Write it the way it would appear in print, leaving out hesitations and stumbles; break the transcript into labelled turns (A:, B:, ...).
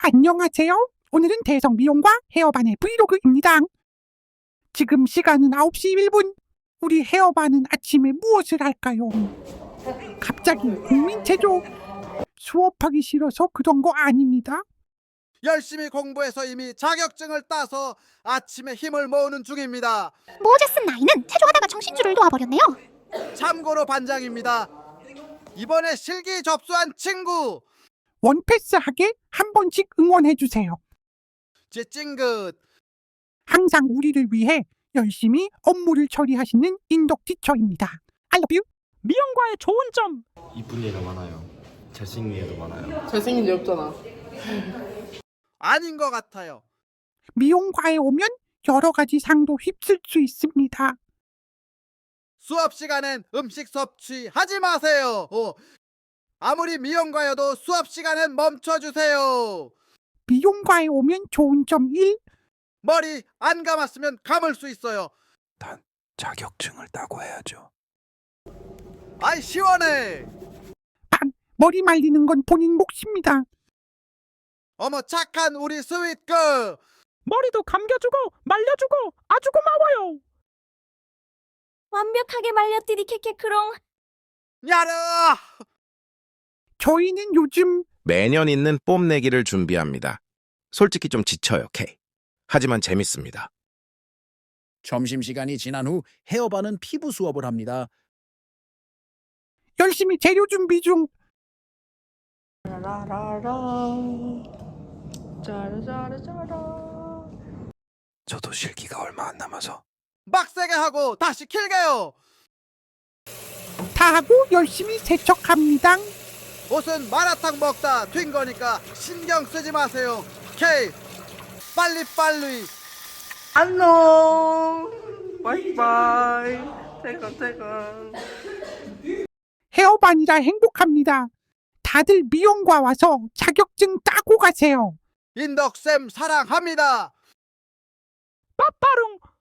A: 안녕하세요. 오늘은 대성 미용과 헤어반의 브이로그입니다. 지금 시간은 9시 1분. 우리 헤어반은 아침에 무엇을 할까요? 갑자기 국민체조. 수업하기 싫어서 그런 거 아닙니다.
B: 열심히 공부해서 이미 자격증을 따서 아침에 힘을 모으는 중입니다.
C: 모제슨 나이는 체조하다가 정신줄을 놓아버렸네요.
B: 참고로 반장입니다. 이번에 실기 접수한 친구
A: 원패스하게 한 번씩 응원해주세요.
B: 제 찡긋.
A: 항상 우리를 위해 열심히 업무를 처리하시는 인덕 티처입니다. I love you. 미용과의 좋은 점.
D: 이쁜 애가 많아요. 잘생긴 애도 많아요.
E: 잘생긴 애 없잖아.
B: 아닌 것 같아요.
A: 미용과에 오면 여러 가지 상도 휩쓸 수 있습니다.
B: 수업 시간엔 음식 섭취하지 마세요. 아무리 미용과여도 수업 시간엔 멈춰주세요.
A: 미용과에 오면 좋은 점 1.
B: 머리 안 감았으면 감을 수 있어요.
F: 단 자격증을 따고 해야죠.
B: 아이 시원해.
A: 머리 말리는 건 본인 몫입니다.
B: 어머 착한 우리 스윗걸.
A: 머리도 감겨주고 말려주고 아주 고마워요.
C: 완벽하게 말렸디디 캐캐크롱.
B: 야르.
A: 저희는 요즘
G: 매년 있는 뽐내기를 준비합니다. 솔직히 좀 지쳐요, K. 하지만 재밌습니다.
F: 점심시간이 지난 후 헤어반은 피부 수업을 합니다.
A: 열심히 재료 준비 중.
E: 짜라짜라짜라.
F: 저도 실기가 얼마 안 남아서
B: 빡세게 하고 다시 길게요.
A: 다 하고 열심히 세척합니다.
B: 옷은 마라탕 먹다 튄 거니까 신경 쓰지 마세요. K 빨리빨리.
E: 안녕. 바이바이. 퇴근.
A: 헤어반이라 행복합니다. 다들 미용과 와서 자격증 따고 가세요.
B: 인덕쌤 사랑합니다.
A: 빠빠룽